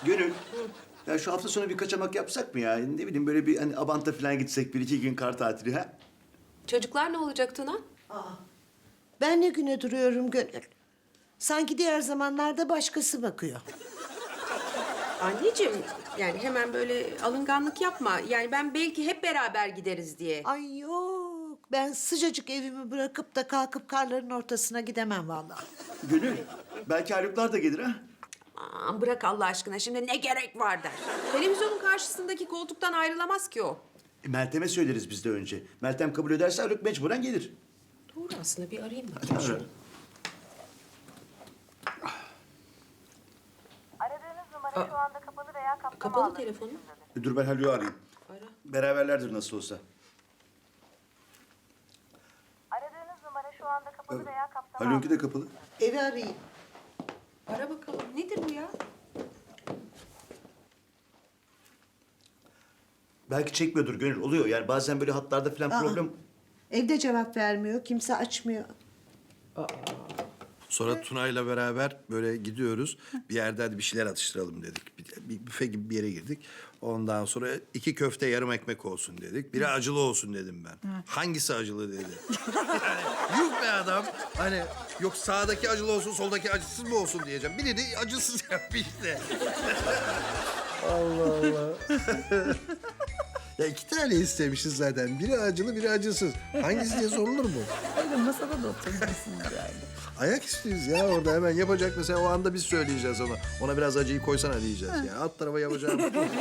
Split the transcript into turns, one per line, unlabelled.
Gönül. Ya şu hafta sonu bir kaçamak yapsak mı ya? Ne bileyim böyle bir hani Abant'a falan gitsek bir iki gün kar tatili ha?
Çocuklar ne olacak Tuna?
Ben ne güne duruyorum Gönül? Sanki diğer zamanlarda başkası bakıyor.
Anneciğim yani hemen böyle alınganlık yapma. Yani ben belki hep beraber gideriz diye.
Ay yok, ben sıcacık evimi bırakıp da kalkıp karların ortasına gidemem vallahi.
Gönül. Belki Haluklar da gelir ha?
Aman bırak Allah aşkına şimdi ne gerek var der. Televizyonun karşısındaki koltuktan ayrılamaz ki o.
Meltem'e söyleriz biz de önce. Meltem kabul ederse Haluk mecburen gelir.
Doğru aslında bir arayayım bakayım.
Ara.
Aradığınız numara şu anda kapalı veya kapsama
Kapalı
alanı
telefonu.
dışındadır.
Dur ben Haluk'u arayayım.
Ara.
Beraberlerdir nasıl olsa.
Aradığınız numara şu anda kapalı veya kapsama
Haluk'unki de
alanı
kapalı.
Evi arayayım.
Ara bakalım. Nedir bu ya?
Belki çekmiyordur Gönül. Oluyor yani bazen böyle hatlarda falan
Aa.
problem...
Evde cevap vermiyor, kimse açmıyor.
Sonra Tuna'yla beraber böyle gidiyoruz. Bir yerde hadi bir şeyler atıştıralım dedik. Bir büfe gibi bir yere girdik. Ondan sonra 2 köfte yarım ekmek olsun dedik. Biri acılı olsun dedim ben. Hangisi acılı dedi. Yani, yuh be adam. Hani yok sağdaki acılı olsun soldaki acısız mı olsun diyeceğim. Biri de acısız yapmış işte. Allah Allah. Ya 2 tane istemişiz zaten. Biri acılı, biri acısız. Hangisi diye sorulur mu?
Öyle masada da oturabilirsiniz yani.
Ayak istiyoruz ya orada hemen yapacak mesela o anda biz söyleyeceğiz ona. Ona biraz acıyı koysana diyeceğiz ya. Alt tarafa yapacağım.